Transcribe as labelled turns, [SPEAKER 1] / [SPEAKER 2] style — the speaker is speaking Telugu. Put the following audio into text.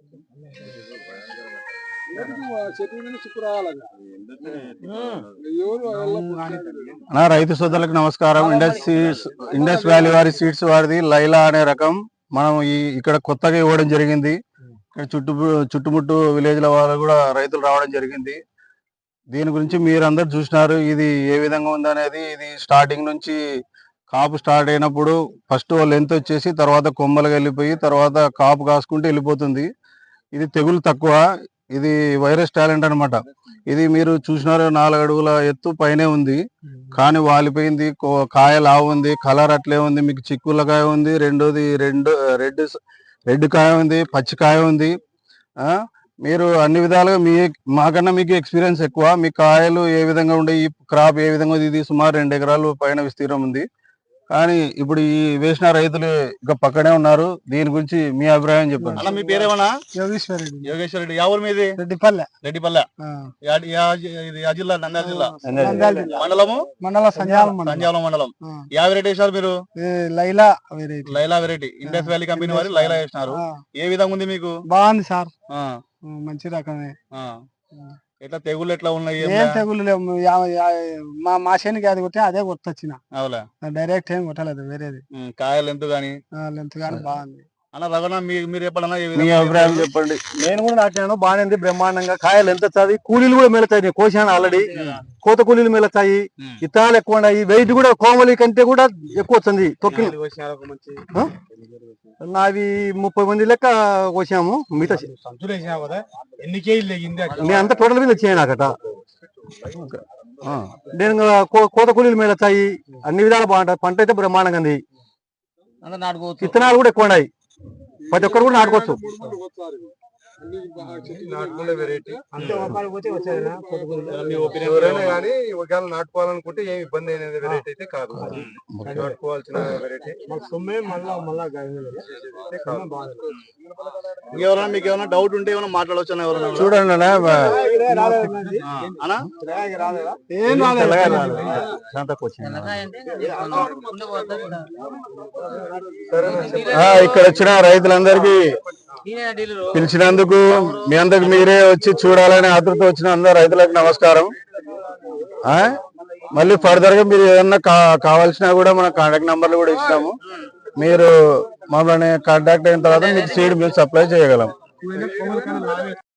[SPEAKER 1] రైతు సోదరులకు నమస్కారం. ఇండస్ వ్యాలీ వారి సీడ్స్ వారిది లైలా అనే రకం మనం ఇక్కడ కొత్తగా ఇవ్వడం జరిగింది. చుట్టుముట్టు విలేజ్ల వాళ్ళు కూడా రైతులు రావడం జరిగింది. దీని గురించి మీరందరూ చూసినారు. ఇది ఏ విధంగా ఉందనేది. ఇది స్టార్టింగ్ నుంచి కాపు స్టార్ట్ అయినప్పుడు ఫస్ట్ లెంత్ వచ్చేసి తర్వాత కొమ్మలుగా వెళ్ళిపోయి తర్వాత కాపు కాసుకుంటూ వెళ్ళిపోతుంది. ఇది తెగులు తక్కువ. ఇది వైరస్ టాలెంట్ అనమాట. ఇది మీరు చూసినారు 4 అడుగుల ఎత్తు పైనే ఉంది, కానీ వాలిపోయింది. కాయ లావు ఉంది, కలర్ అట్లే ఉంది. మీకు చిక్కుల కాయ ఉంది, రెండోది రెడ్ కాయ ఉంది, పచ్చి కాయ ఉంది. మీరు అన్ని విధాలుగా మాకన్నా మీకు ఎక్స్పీరియన్స్ ఎక్కువ. మీ కాయలు ఏ విధంగా ఉండే, ఈ క్రాప్ ఏ విధంగా ఉంది. ఇది సుమారు 2 ఎకరాలు పైన విస్తీర్ణం ఉంది. కానీ ఇప్పుడు ఈ వేసిన రైతులు ఇంకా పక్కనే ఉన్నారు. దీని గురించి మీ అభిప్రాయం చెప్పండి.
[SPEAKER 2] అలా మీ పేరేమన్నా?
[SPEAKER 3] యోగేశ్వర
[SPEAKER 2] రెడ్డి. ఎవరు మీది?
[SPEAKER 3] రెడ్డిపల్లె.
[SPEAKER 2] జిల్లా నంద్యాల జిల్లా.
[SPEAKER 3] మండలం సంజాలం
[SPEAKER 2] మండలం. యా వెరైటీ వేసారు మీరు?
[SPEAKER 3] Laila
[SPEAKER 2] variety. Indus valley company వారి లైలా వేసినారు. ఏ విధంగా ఉంది మీకు?
[SPEAKER 3] బాగుంది సార్, మంచి రకమే.
[SPEAKER 2] ఎట్లా తెగులు ఎట్లా ఉన్నాయి?
[SPEAKER 3] ఏం తెగులు లేవు. మా శనికి అది కొట్టే అదే కొట్టొచ్చిన, డైరెక్ట్ ఏం కొట్టలేదు వేరేది.
[SPEAKER 2] కాయలు లెంత్ గానీ
[SPEAKER 3] బాగుంది.
[SPEAKER 2] అన్న రఘునా, మీరు ఎప్పుడన్నా
[SPEAKER 1] మీ అభిప్రాయం చెప్పండి.
[SPEAKER 4] నేను కూడా నాటాను, బాగానే బ్రహ్మాండంగా. కాయలు ఎంత చదివి, కూలీలు కూడా మేలుతాయి. నేను కోసాను ఆల్రెడీ. కోత కూలీలు మేలుతాయి, ఇత్తనాలు ఎక్కువ ఉన్నాయి. వెయిట్ కూడా కోమలి కంటే కూడా ఎక్కువ వచ్చింది. తొక్కి నావి 30 మంది లెక్క కోసాము. మిగతా నేను అంతా టోటల్ మీద వచ్చాయి నాకట. నేను కోత కూలీలు మేలుతాయి, అన్ని విధాలు బాగుంటాయి. పంట అయితే బ్రహ్మాండంగా ఉంది. ఇత్తనాలు కూడా ఎక్కువ ఉన్నాయి. ప్రతి ఒక్కరు కూడా నాటుకోవచ్చు.
[SPEAKER 5] ఒకవేళ నాటుకోవాలనుకుంటే ఏమి ఇబ్బంది అనేది వెరైటీ అయితే కాదు. నాటుకోవాల్సిన వెరైటీ.
[SPEAKER 2] ఎవరైనా మీకు ఏమైనా డౌట్ ఉంటే ఏమైనా మాట్లాడవచ్చు. ఎవరైనా
[SPEAKER 1] చూడండి. ఇక్కడ వచ్చిన రైతులందరికీ పిలిచినందుకు, మీ అందరికి మీరే వచ్చి చూడాలని ఆతృత వచ్చిన అందరు రైతులకు నమస్కారం. మళ్ళీ ఫర్దర్ గా మీరు ఏదన్నా కావాల్సినా కూడా మన కాంటాక్ట్ నంబర్లు కూడా ఇచ్చినాము. మీరు మమ్మల్ని కాంటాక్ట్ అయిన తర్వాత మీకు సీడ్ మేము సప్లై చేయగలం.